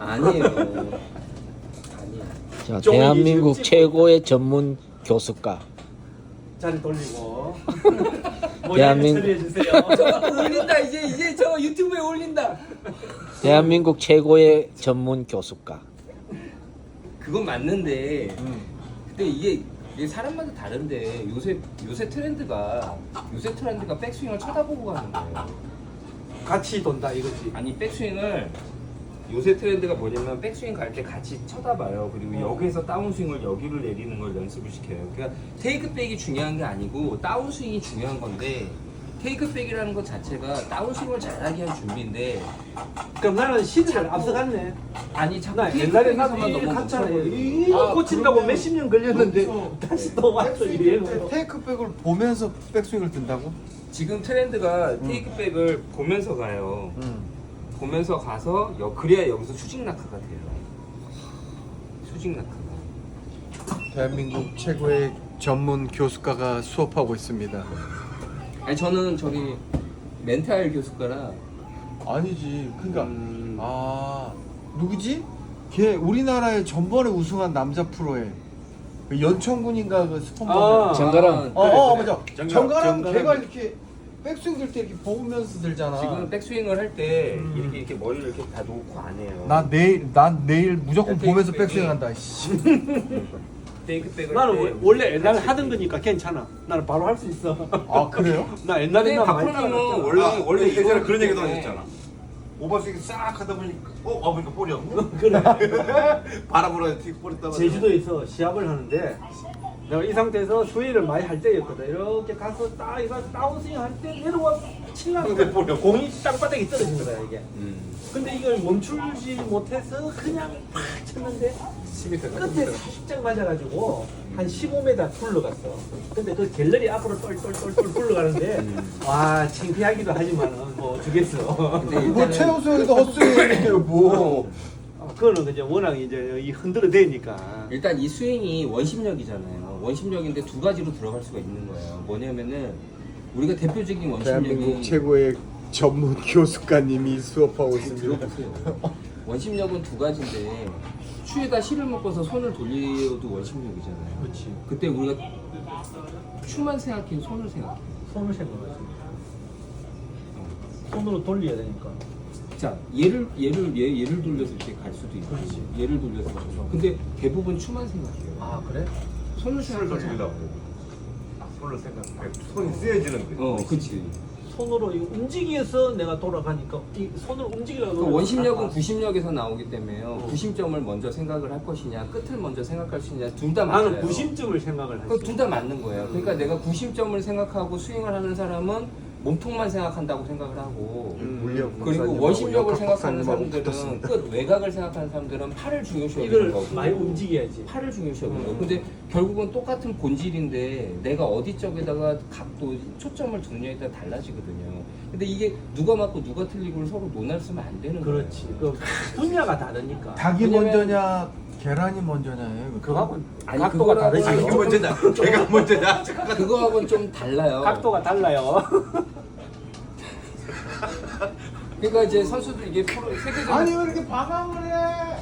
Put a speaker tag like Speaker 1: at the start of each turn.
Speaker 1: 아니에요. 아니에요.
Speaker 2: 자, 대한민국 최고의 전문 교수가
Speaker 3: 자리 돌리고
Speaker 2: 대한민국-
Speaker 3: 처리해 주세요.
Speaker 1: 저거 올린다 이제 저거 유튜브에 올린다.
Speaker 2: 대한민국 최고의 전문 교수가.
Speaker 1: 그건 맞는데 근데 이게 사람마다 다른데 요새 트렌드가 백스윙을 쳐다보고 가는 거예요.
Speaker 3: 같이 돈다 이거지.
Speaker 1: 아니 백스윙을 요새 트렌드가 뭐냐면 백스윙 갈 때 같이 쳐다봐요. 그리고 여기에서 다운스윙을 여기를 내리는 걸 연습을 시켜요. 그러니까 테이크백이 중요한 게 아니고 다운스윙이 중요한 건데 테이크백이라는 것 자체가 다운스윙을 잘하게 한 준비인데
Speaker 3: 그럼 나는 시대를 앞서갔네.
Speaker 1: 아니 자꾸
Speaker 3: 나 옛날에 나도
Speaker 1: 테이크백에서만
Speaker 3: 이
Speaker 1: 너무
Speaker 3: 갔잖아.
Speaker 1: 멈춰버리고.
Speaker 3: 이거 고친다고
Speaker 4: 그러면-
Speaker 3: 몇십 년 걸렸는데
Speaker 4: 그렇죠.
Speaker 3: 다시 또 왔어 이게.
Speaker 4: 테이크백을 보면서 백스윙을 든다고?
Speaker 1: 지금 트렌드가 테이크백을 보면서 가요. 보면서 가서 그래야 여기서 수직 낙하가 돼요. 수직 낙하가.
Speaker 4: 대한민국 최고의 전문 교수가가 수업하고 있습니다.
Speaker 1: 아니 저는 저기 멘탈 교수가라.
Speaker 4: 아니지. 그러니까 누구지? 걔 우리나라에 전번에 우승한 남자 프로에 그 연천군인가 그 스폰서.
Speaker 2: 정가람.
Speaker 4: 맞아. 정가람 걔가 이렇게 백스윙 들 때 이렇게 보면서 들잖아.
Speaker 1: 지금 백스윙을 할 때 이렇게 머리를 이렇게 다 놓고 안 해요.
Speaker 4: 난 내일 무조건
Speaker 1: 야,
Speaker 4: 보면서
Speaker 1: 테이크백이-
Speaker 4: 백스윙 한다. 씨.
Speaker 1: 테이크백을
Speaker 3: 나는
Speaker 1: 할 때
Speaker 3: 원래 옛날에
Speaker 1: 같이
Speaker 3: 하던
Speaker 1: 이렇게.
Speaker 3: 거니까 괜찮아. 나는 바로 할 수 있어.
Speaker 4: 아 그래요?
Speaker 3: 나 옛날에
Speaker 1: 근데
Speaker 3: 나 많이
Speaker 1: 박프로님은
Speaker 3: 따라갔잖아.
Speaker 1: 원래
Speaker 5: 예전에 그런 얘기도
Speaker 1: 때문에
Speaker 5: 하셨잖아. 오버스윙 싹 하다 보니까 보니까 볼이 없네.
Speaker 3: 그래.
Speaker 5: 바람으로 볼이 떠가.
Speaker 3: 제주도에서 시합을 하는데 내가 이 상태에서 스윙을 많이 할 때였거든. 이렇게 가서 딱 이거 다운스윙 할 때 내려와 칠라는데 공이 땅바닥에 떨어진 거야 이게. 근데 이걸 멈추지 못해서 그냥 탁 쳤는데
Speaker 1: 10m
Speaker 3: 끝에 살짝 맞아가지고 한 15m 굴러갔어. 근데 그 갤러리 앞으로 똘똘똘똘 굴러가는데 와 창피하기도 하지만은 뭐 어쩌겠어.
Speaker 1: 근데
Speaker 4: 뭐
Speaker 1: 일단은
Speaker 4: 최우수에도 헛스윙이에요 뭐.
Speaker 3: 그거는 이제 워낙 이제 이 흔들어 대니까.
Speaker 1: 일단 이 스윙이 원심력이잖아요. 원심력인데 두 가지로 들어갈 수가 있는 거예요. 뭐냐면은 우리가 대표적인
Speaker 4: 대한민국
Speaker 1: 원심력이
Speaker 4: 최고의 전문 교수가님이 수업하고 있습니다.
Speaker 1: 들어보세요. 원심력은 두 가지인데 추에다 실을 묶어서 손을 돌려도 원심력이잖아요.
Speaker 3: 그렇지.
Speaker 1: 그때 우리가 추만 생각해, 손을 생각해.
Speaker 3: 손을 생각하지. 손으로 돌려야 되니까.
Speaker 1: 자, 얘를 돌려서 이렇게 갈 수도 있고,
Speaker 3: 그렇지.
Speaker 1: 얘를 돌려서 가죠. 근데 대부분 추만 생각해요.
Speaker 3: 아 그래?
Speaker 1: 손을
Speaker 5: 손을
Speaker 1: 생각하지.
Speaker 5: 돌리려고. 손을 생각해. 손이 쓰여지는 거야.
Speaker 1: 그렇지.
Speaker 3: 손으로 이거 움직여서 내가 돌아가니까 이 손을 움직이려고.
Speaker 1: 그 원심력은 구심력에서 나오기 때문에요. 구심점을 먼저 생각을 할 것이냐, 끝을 먼저 생각할 것이냐, 둘 다 맞아요.
Speaker 3: 나는 구심점을 생각을 했어.
Speaker 1: 둘 다 맞는 거예요. 그러니까 내가 구심점을 생각하고 스윙을 하는 사람은 몸통만 생각한다고 생각을 하고,
Speaker 4: 물리학
Speaker 1: 그리고
Speaker 4: 박사님하고
Speaker 1: 원심력을
Speaker 4: 역학
Speaker 1: 생각하는
Speaker 4: 박사님하고
Speaker 1: 사람들은
Speaker 4: 붙었습니다.
Speaker 1: 끝 외곽을 생각하는 사람들은 팔을 중요시 여기는
Speaker 3: 이걸
Speaker 1: 거고
Speaker 3: 많이 움직여야지.
Speaker 1: 팔을 중요시 여기는 거고. 근데 결국은 똑같은 본질인데 내가 어디 쪽에다가 각도, 초점을 두느냐에 따라 달라지거든요. 근데 이게 누가 맞고 누가 틀리고를 서로 논하면 안 되는 거예요.
Speaker 3: 그렇지. 그 분야가 다르니까.
Speaker 4: 닭이
Speaker 1: 왜냐면-
Speaker 4: 먼저냐 계란이 먼저냐예요.
Speaker 3: 그거하고는
Speaker 1: 아니,
Speaker 3: 각도가
Speaker 1: 그거랑은-
Speaker 3: 다르지.
Speaker 5: 아, 이게 먼저냐? 걔가 먼저냐?
Speaker 1: 그거하고는 좀 달라요.
Speaker 3: 각도가 달라요.
Speaker 1: 그러니까 이제 선수들 이게 프로 세계적인
Speaker 4: 아니 왜 이렇게 방황을 해?